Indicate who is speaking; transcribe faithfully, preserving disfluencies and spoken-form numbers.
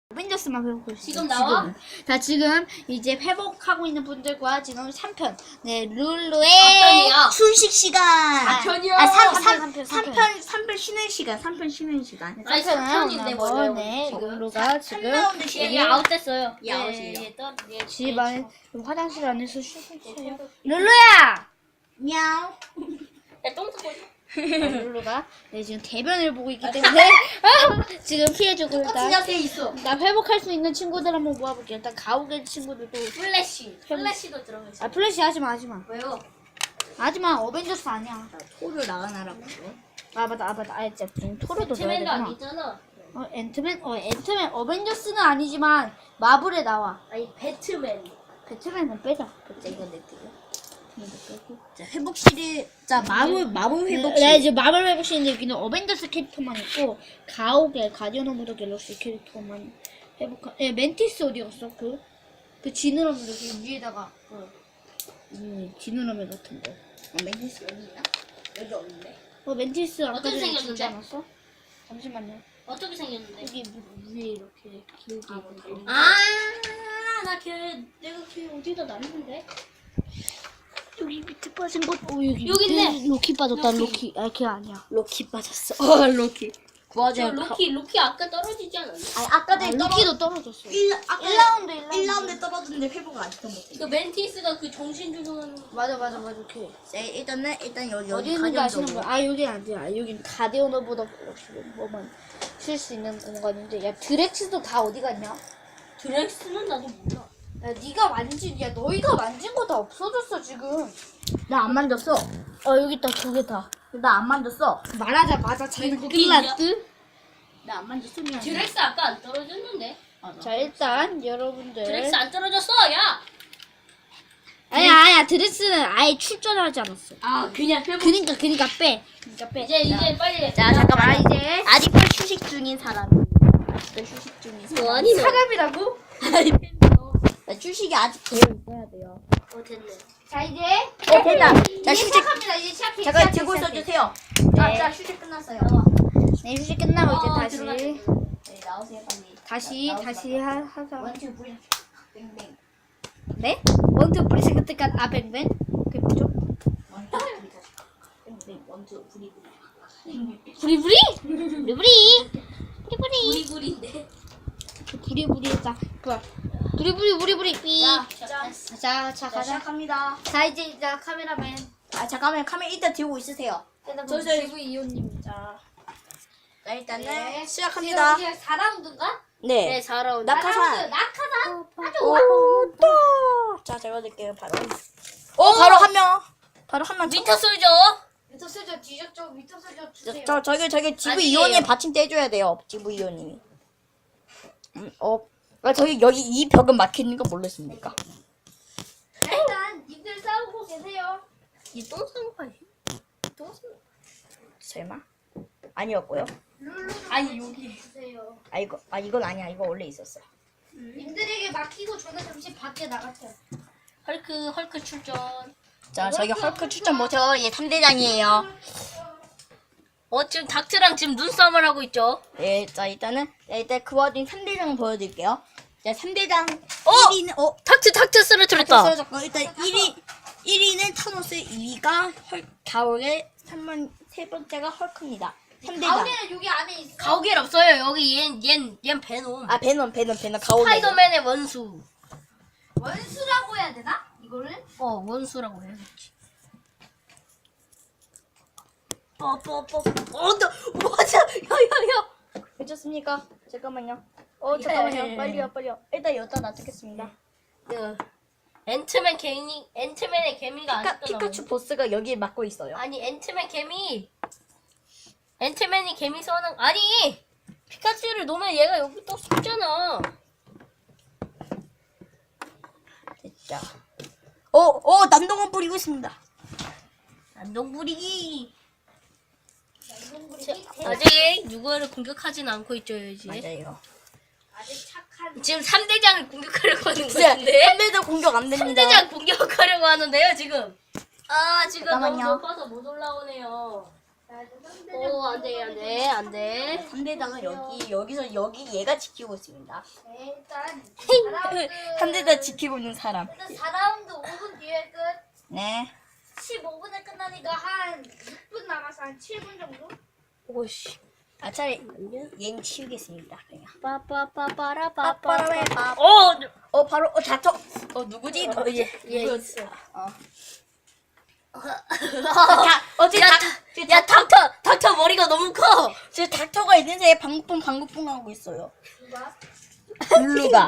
Speaker 1: 어벤져스만 회복할 수
Speaker 2: 지금
Speaker 1: 있어요,
Speaker 2: 나와?
Speaker 1: 지금은. 자, 지금 이제 회복하고 있는 분들과 지금 삼 편. 네, 룰루의
Speaker 2: 편이야.
Speaker 3: 휴식 시간.
Speaker 2: 사 편이요.
Speaker 3: 아, 삼,
Speaker 1: 삼
Speaker 3: 삼,
Speaker 1: 편, 삼 편,
Speaker 3: 삼 편, 삼 편 쉬는 시간. 삼 편 쉬는 시간.
Speaker 2: 아니, 삼 편인데
Speaker 1: 뭐,
Speaker 2: 뭐예요?
Speaker 1: 네,
Speaker 2: 지금?
Speaker 1: 룰루가 지금
Speaker 3: 라운드
Speaker 2: 얘,
Speaker 3: 쉬는
Speaker 2: 얘 아웃됐어요.
Speaker 3: 얘 아웃이에요.
Speaker 2: 얘 떠, 얘
Speaker 1: 집 안에 화장실 안에서 쉬고 있어요. 룰루야!
Speaker 3: 미야오.
Speaker 2: 야똥 싸고 있어.
Speaker 1: 룰루가 네, 지금 대변을 보고 있기 때문에 지금 피해주고
Speaker 3: 똑같은
Speaker 1: 일단
Speaker 3: 자세에 있어.
Speaker 1: 나 회복할 수 있는 친구들 한번 모아볼게요. 일단 가오갤 친구들도
Speaker 2: 플래시. 플래시도 들어가 있어.
Speaker 1: 아 플래시 하지마 하지마
Speaker 2: 왜요?
Speaker 1: 하지마 어벤져스 아니야.
Speaker 3: 토를 나가나라고.
Speaker 1: 아 맞다 아 맞다 아 진짜 지금 토르도 넣어야
Speaker 2: 배트맨도
Speaker 1: 되구나.
Speaker 2: 아니잖아.
Speaker 1: 어 앤트맨 어 앤트맨 어벤져스는 아니지만 마블에 나와.
Speaker 2: 아니 배트맨.
Speaker 1: 배트맨은 빼자. 자 이거 냅두고. 이거 빼고.
Speaker 3: 자, 회복실이, 자, 마블, 마블 회복실.
Speaker 1: 네, 이제 마블 회복실인데 여기는 어벤져스 캐릭터만 있고 가오갤 가디언 오브 더 갤럭시 캐릭터만 회복한. 예 멘티스 어디 갔어? 그 그 지느러미 그 위에다가 그 음, 지느러미 같은 거.
Speaker 3: 아, 멘티스 여기 있나? 여기 없는데.
Speaker 1: 어 멘티스 아까
Speaker 2: 어떻게
Speaker 1: 전에 주지
Speaker 2: 생겼는데?
Speaker 1: 않았어? 잠시만요.
Speaker 2: 어떻게 생겼는데?
Speaker 1: 여기 위- 위에 이렇게 길게 있는 거.
Speaker 2: 아, 나 걔, 내가 걔 어디다 놨는데?
Speaker 1: 여기 밑에 빠진 것. 어 여기
Speaker 2: 여기
Speaker 1: 밑에
Speaker 2: 있네.
Speaker 1: 로키 빠졌다.
Speaker 2: 로키.
Speaker 1: 로키. 아 걔 아니야.
Speaker 3: 로키 빠졌어. 어, 로키.
Speaker 2: 저
Speaker 3: 구하자.
Speaker 2: 로키, 로키 아까 떨어지지 않았나?
Speaker 3: 아니, 아까
Speaker 1: 아,
Speaker 3: 전에
Speaker 1: 로키도 떨어졌어.
Speaker 3: 일, 아까
Speaker 1: 일 라운드 일 라운드.
Speaker 3: 일 라운드에 떨어졌는데 회복을 아직도 못해.
Speaker 2: 그 멘티스가 그 정신주는
Speaker 1: 맞아 맞아 맞아 걔.
Speaker 3: 자, 일단은, 일단 여기,
Speaker 1: 어디
Speaker 3: 여기
Speaker 1: 있는지 아시는
Speaker 3: 가디언
Speaker 1: 분? 아 여기 아니야. 여긴 가디언 오브 더 갤럭시 뭐만 쉴 수 있는 공간인데 야 드렉스도 다 어디 갔냐?
Speaker 2: 드렉스는 나도 몰라.
Speaker 1: 야 네가 만진 야 너희가 만진 거 다 없어졌어 지금.
Speaker 3: 나안 만졌어.
Speaker 1: 어 여기 있다 두 개 다.
Speaker 3: 나 안 만졌어.
Speaker 1: 말하자마자 자기는
Speaker 2: 그게
Speaker 1: 끝났드.
Speaker 3: 나 안 만졌어. 미안해.
Speaker 2: 드렉스 아까 안 떨어졌는데?
Speaker 1: 자 일단 여러분들.
Speaker 2: 드렉스 안 떨어졌어, 야!
Speaker 1: 아니야 아니야 드렉스는 아예 출전하지 않았어.
Speaker 2: 아, 그냥 회복.
Speaker 1: 그니까 그니까 빼. 그니까 빼.
Speaker 2: 이제, 이제 빨리.
Speaker 3: 자, 잠깐만.
Speaker 1: 자, 이제
Speaker 3: 아직도 휴식 중인 사람. 아직도 휴식 중인 사람.
Speaker 2: 뭐 아니, 너.
Speaker 1: 사람이라고?
Speaker 3: 자, 휴식이 아직 되어 있어야 돼요.
Speaker 2: 어, 됐네.
Speaker 1: 자 이제
Speaker 3: 어, 됐다. 자,
Speaker 1: 이제
Speaker 3: 휴식.
Speaker 1: 시작합니다. 이제 시작해.
Speaker 3: 잠깐
Speaker 1: 시작해,
Speaker 3: 들고
Speaker 1: 시작해.
Speaker 3: 있어주세요.
Speaker 1: 네.
Speaker 3: 자, 자, 휴식 끝났어요.
Speaker 1: 네 휴식 끝나고
Speaker 2: 어,
Speaker 1: 이제 다시
Speaker 2: 들어가자.
Speaker 3: 네, 나오세요, 빨리.
Speaker 1: 다시
Speaker 3: 나오지
Speaker 1: 다시
Speaker 3: 마세요.
Speaker 1: 하, 하자.
Speaker 3: 원투 브리 뱅뱅.
Speaker 1: 네? 원투 브리 생각할까? 아 뱅뱅? 그게 뭐죠?
Speaker 3: 원투 브리 뱅뱅. 원투 브리 브리.
Speaker 1: 부리부리? 부리부리? 부리부리?
Speaker 2: 부리부리인데.
Speaker 1: 부리부리자. 뭐야? 부리부리 부리부리 삐.
Speaker 2: 자,
Speaker 3: 자,
Speaker 2: 자.
Speaker 1: 자, 자
Speaker 3: 자,
Speaker 1: 가자.
Speaker 3: 시작합니다.
Speaker 1: 자 이제 이제 카메라맨.
Speaker 3: 아, 잠깐만. 카메라 일단 들고 있으세요.
Speaker 1: 저
Speaker 3: 저-
Speaker 1: 지브 이호님. 자.
Speaker 3: 자, 일단은
Speaker 1: 네.
Speaker 3: 시작합니다.
Speaker 1: 지금 이제 사 라운드인가?
Speaker 3: 네.
Speaker 2: 사 라운드.
Speaker 3: 낙하산.
Speaker 1: 낙하산. 아주
Speaker 3: 오, 또. 자, 제가 드릴게요, 바로. 오, 바로 한 명. 바로 한 명.
Speaker 2: 미터 쏠죠?
Speaker 1: 미터 소저 뒤졌죠? 미터 소저 주세요.
Speaker 3: 저, 저기, 저기, 지브
Speaker 2: 아니에요.
Speaker 3: 이호님 받침 떼줘야 돼요. 지브 이호님이. 음, 어. 아, 저기, 여기 이 벽은 막히는 거 몰랐습니까?
Speaker 1: 자, 일단 님들 싸우고 계세요.
Speaker 2: 이똥 싸는 거 아니야? 똥 싸는 거.
Speaker 3: 설마? 아니었고요.
Speaker 1: 룰루 좀
Speaker 2: 아니, 여기.
Speaker 1: 주세요.
Speaker 3: 아, 이거, 아, 이건 아니야. 이거 원래 있었어.
Speaker 1: 님들에게 막히고 저는 잠시 밖에 나갔어요.
Speaker 2: 헐크, 헐크 출전.
Speaker 3: 자, 저기 헐크 추천 못해요. 얘 삼 대장이에요.
Speaker 2: 어, 지금 닥트랑 지금 눈싸움을 하고 있죠?
Speaker 3: 예, 자, 일단은, 자, 일단 그 와중에 삼 대장 보여드릴게요. 자, 삼 대장
Speaker 2: 어!
Speaker 3: 일 위는, 어,
Speaker 2: 닥트, 닥트 쓰러뜨렸다.
Speaker 3: 쓰러졌고, 일단 일 위, 일 위는 타노스, 이 위가 헐, 가오의 삼 번, 세 번째가 헐크입니다. 삼 대장.
Speaker 1: 가운데는 여기 안에 있어.
Speaker 2: 가오갤 없어요. 여기 얜, 얜, 얜 베놈.
Speaker 3: 아, 베놈, 베놈, 베놈, 가오.
Speaker 2: 스파이더맨의 원수.
Speaker 1: 원수라고 해야 되나? 이거를?
Speaker 2: 어, 원수라고 해야겠지. 어, 뽀, 뽀, 뽀.
Speaker 3: 어, 너, 뭐하자, 야, 야, 야. 괜찮습니까? 잠깐만요. 어, 잠깐만요.
Speaker 2: 예.
Speaker 3: 빨리요, 빨리요. 일단 여기다 놔두겠습니다.
Speaker 2: 그, 앤트맨 개미, 앤트맨의 개미가
Speaker 3: 피카,
Speaker 2: 아직도
Speaker 3: 피카츄
Speaker 2: 나오네.
Speaker 3: 보스가 여기에 맡고 있어요.
Speaker 2: 아니, 앤트맨 개미. 앤트맨이 개미 써는, 아니! 피카츄를 놓으면 얘가 여기 또 숨잖아.
Speaker 3: 됐죠. 어, 어, 남동원 뿌리고 있습니다.
Speaker 2: 안동 부리기.
Speaker 1: 이동부리
Speaker 2: 아직 누구를 공격하진 않고 있죠, 이제.
Speaker 3: 맞아요.
Speaker 1: 아직 착한.
Speaker 2: 지금 삼 대장을 공격하려고 하는
Speaker 3: 진짜
Speaker 2: 건데.
Speaker 3: 삼 대장 공격 안 됩니다.
Speaker 2: 삼 대장 공격하려고 하는데요, 지금. 아, 지금
Speaker 3: 잠깐만요.
Speaker 2: 너무 높아서 못 올라오네요. 오, 안 돼, 안 돼, 안 돼.
Speaker 3: 상대당은 여기 여기서 여기 얘가 지키고 있습니다.
Speaker 1: 네, 일단
Speaker 3: 상대당 지키고 있는 사람.
Speaker 1: 일단 사 라운드 오 분 뒤에 끝.
Speaker 3: 네.
Speaker 1: 십오 분에 끝나니까 한 육 분 남아서 한 칠 분 정도?
Speaker 2: 오씨.
Speaker 3: 아 차라리 얘는 치우겠습니다. 그냥.
Speaker 2: 빠빠빠빠라빠빠.
Speaker 3: 빠빠라빠.
Speaker 2: 어,
Speaker 3: 어 바로 어 닥터. 어 누구지?
Speaker 2: 어, 얘, 얘
Speaker 3: 누구였어?
Speaker 2: 있어.
Speaker 3: 어.
Speaker 2: 자,
Speaker 3: 어제
Speaker 2: 야,
Speaker 3: 닥-
Speaker 2: 닥- 야, 닥터, 닥터 머리가 너무 커.
Speaker 3: 지금 닥터가 있는데 방구뿡 방구뿡 하고 있어요.
Speaker 1: 누가?
Speaker 3: 블루가.